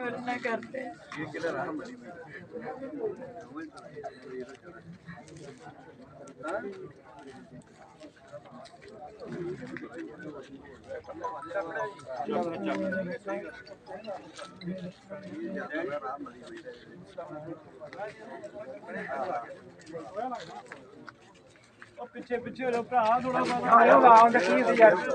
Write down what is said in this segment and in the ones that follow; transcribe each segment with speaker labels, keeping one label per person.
Speaker 1: ना करते पिछे पिछे लो भरा थोड़ा आयो गांव दा की सी यार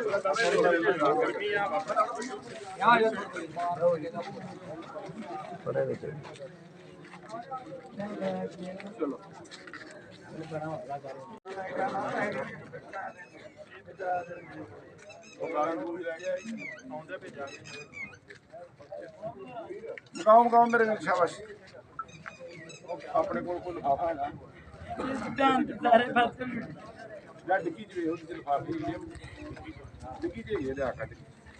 Speaker 1: चलो गाँव मेरे शाबाश अपने को लिफाफा है सारे पास डिग्गी च लिफाफे डिग्गी च लिया कट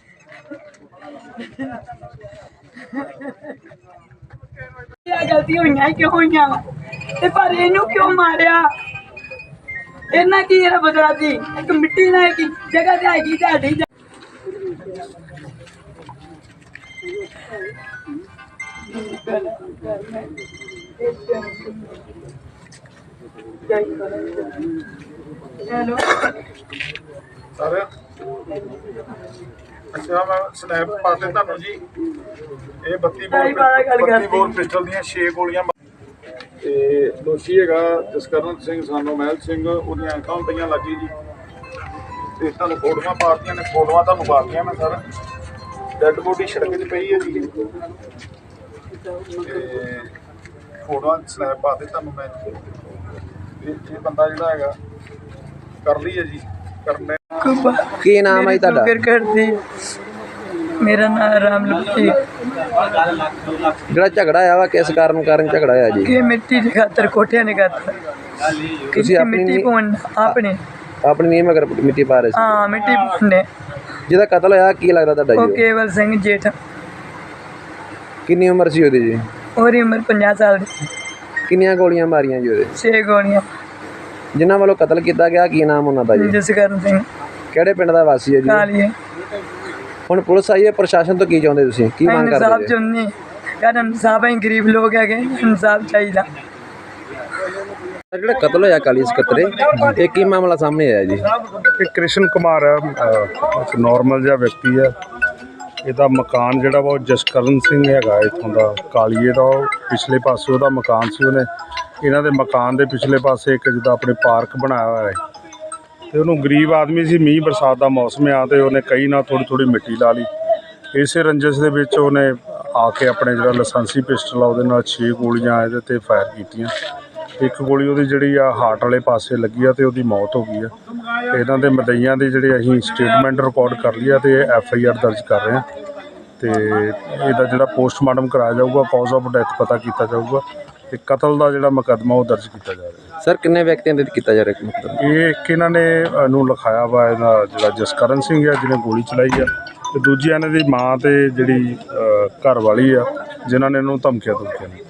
Speaker 1: गलती हुई क्यों हुई पर इनू क्यों मारिया इन्ना की बदला सी एक मिट्टी ना की जगह ते हैगी साडी हेलो सर अच्छा मैं स्नैप पाते तुहानू जी ये 32 बोर पिस्टल दी 6 गोलियां ते दोषी हैगा जसकरण सिंह सानो महल सिंह उहदियां अखां पईयां लागी जी ते तुहानू फोटोआं पातियां ने फोटोआं तुहानू पातियां मैं सर डैड बॉडी सड़क च पई है जी फोटोआं स्नैप पाते तुहानू मैं ये बंदा जिहड़ा हैगा कर ली है जी करने
Speaker 2: की नाम है ਤੁਹਾਡਾ
Speaker 1: मेरा नाम रामलखी
Speaker 2: ਜਿਹੜਾ ਝਗੜਾ ਆਇਆ ਵਾ ਕਿਸ ਕਾਰਨ ਝਗੜਾ ਆਇਆ ਜੀ
Speaker 1: कि मिट्टी की खातर कोठिया ने खातर
Speaker 2: ਤੁਸੀਂ
Speaker 1: मिट्टी पौन अपने
Speaker 2: ਆਪਣੀ ਨੀਂਹ ਮਗਰ ਮਿੱਟੀ ਪਾ ਰਹੇ ਸੀ
Speaker 1: हाँ मिट्टी पौने
Speaker 2: ਜਿਹਦਾ ਕਤਲ ਹੋਇਆ ਕੀ ਲੱਗਦਾ ਤੁਹਾਡਾ
Speaker 1: वो
Speaker 2: ਜੀ
Speaker 1: केवल सिंह जेठ
Speaker 2: ਕਿੰਨੀ ਉਮਰ ਸੀ ਉਹਦੀ ਜੀ
Speaker 1: और उम्र 50 साल की
Speaker 2: ਕਿੰਨੀਆਂ ਗੋਲੀਆਂ ਮਾਰੀਆਂ ਜੀ ਉਹਦੇ
Speaker 1: 6 गोलियां
Speaker 2: ਜਿਨ੍ਹਾਂ ਵੱਲੋਂ ਕਤਲ ਕੀਤਾ ਗਿਆ ਕੀ ਨਾਮ ਉਹਨਾਂ ਦਾ ਜੀ
Speaker 1: जसकरण सिंह
Speaker 2: ਕਿਹੜੇ ਪਿੰਡ ਦਾ ਵਾਸੀ ਹੈ ਜੀ
Speaker 1: काली
Speaker 2: ਹੁਣ ਪੁਲਿਸ ਆਈ ਹੈ ਪ੍ਰਸ਼ਾਸਨ ਤੋਂ ਕੀ ਚਾਹੁੰਦੇ ਤੁਸੀਂ ਕੀ ਮੰਗ
Speaker 1: इंसाफ
Speaker 2: ਕਰਦੇ ਜੀ
Speaker 1: चुननी यार इंसाफ है गरीब लोग है इंसाफ चाहिए
Speaker 2: ਜਿਹੜਾ ਕਤਲ ਹੋਇਆ ਕਾਲੀ ਸਕੱਤਰੇ ਇਹ ਕੀ ਮਾਮਲਾ ਸਾਹਮਣੇ ਆਇਆ ਜੀ
Speaker 3: ਇਹ ਕ੍ਰਿਸ਼ਨ ਕੁਮਾਰ ਹੈ ਇੱਕ ਨੋਰਮਲ ਜਿਹਾ ਵਿਅਕਤੀ ਹੈ ਇਹਦਾ ਮਕਾਨ ਜਿਹੜਾ ਵਾ ਉਹ ਜਸਕਰਨ ਸਿੰਘ ਹੈਗਾ ਇੱਥੋਂ ਦਾ ਕਾਲੀਏ ਦਾ ਉਹ ਪਿਛਲੇ ਪਾਸੇ ਉਹਦਾ ਮਕਾਨ ਸੀ ਉਹਨੇ ਇਹਨਾਂ ਦੇ ਮਕਾਨ ਦੇ ਪਿਛਲੇ ਪਾਸੇ ਇੱਕ ਜਿੱਦਾਂ ਆਪਣੇ ਪਾਰਕ ਬਣਾਇਆ ਹੋਇਆ ਹੈ ਤੇ ਉਹਨੂੰ ਗਰੀਬ ਆਦਮੀ ਸੀ ਮੀਂਹ ਬਰਸਾਤ ਦਾ ਮੌਸਮ ਆ ਤੇ ਉਹਨੇ ਕਈ ਨਾਲ ਥੋੜ੍ਹੀ ਮਿੱਟੀ ਲਾ ਲਈ ਇਸੇ ਰੰਜਿਸ਼ ਦੇ ਵਿੱਚ ਉਹਨੇ ਆ ਕੇ ਆਪਣੇ ਜਿਹੜਾ ਲਾਇਸੈਂਸੀ ਪਿਸਟਲ ਆ ਉਹਦੇ ਨਾਲ 6 ਗੋਲੀਆਂ ਇਹਦੇ 'ਤੇ ਫਾਇਰ ਕੀਤੀਆਂ ਇੱਕ ਗੋਲੀ ਉਹਦੀ ਜਿਹੜੀ ਆ ਹਾਰਟ ਵਾਲੇ ਪਾਸੇ ਲੱਗੀ ਆ ਤੇ ਉਹਦੀ ਮੌਤ ਹੋ ਗਈ ਆ ਇਹਨਾਂ ਦੇ ਮਦਈਆਂ ਦੀ ਜਿਹੜੇ ਅਸੀਂ ਸਟੇਟਮੈਂਟ ਰਿਕਾਰਡ ਕਰ ਲਈ ਆ ਤੇ FIR ਦਰਜ ਕਰ ਰਹੇ ਹਾਂ ਤੇ ਇਹਦਾ ਜਿਹੜਾ ਪੋਸਟਮਾਰਟਮ ਕਰਾਇਆ ਜਾਊਗਾ ਕਾਜ਼ ਆਫ ਡੈਥ ਪਤਾ ਕੀਤਾ ਜਾਊਗਾ ਤੇ ਕਤਲ ਦਾ ਜਿਹੜਾ ਮੁਕੱਦਮਾ ਉਹ ਦਰਜ ਕੀਤਾ ਜਾ ਰਿਹਾ
Speaker 2: ਸਰ ਕਿੰਨੇ ਵਿਅਕਤੀਆਂ ਦੇ ਕੀਤਾ ਜਾ ਰਿਹਾ ਮਤਲਬ
Speaker 3: ਇਹ ਇੱਕ ਇਹਨਾਂ ਨੇ ਨੂੰ ਲਿਖਾਇਆ ਵਾ ਇਹਦਾ ਜਿਹੜਾ ਜਸਕਰਨ ਸਿੰਘ ਆ ਜਿਹਨੇ ਗੋਲੀ ਚਲਾਈ ਆ ਤੇ ਦੂਜੀ ਇਹਨਾਂ ਦੀ ਮਾਂ ਤੇ ਜਿਹੜੀ ਘਰ ਵਾਲੀ ਆ ਜਿਨ੍ਹਾਂ ਨੇ ਇਹਨੂੰ ਧਮਕੀਆਂ ਦਿੱਤੀਆਂ ਨੇ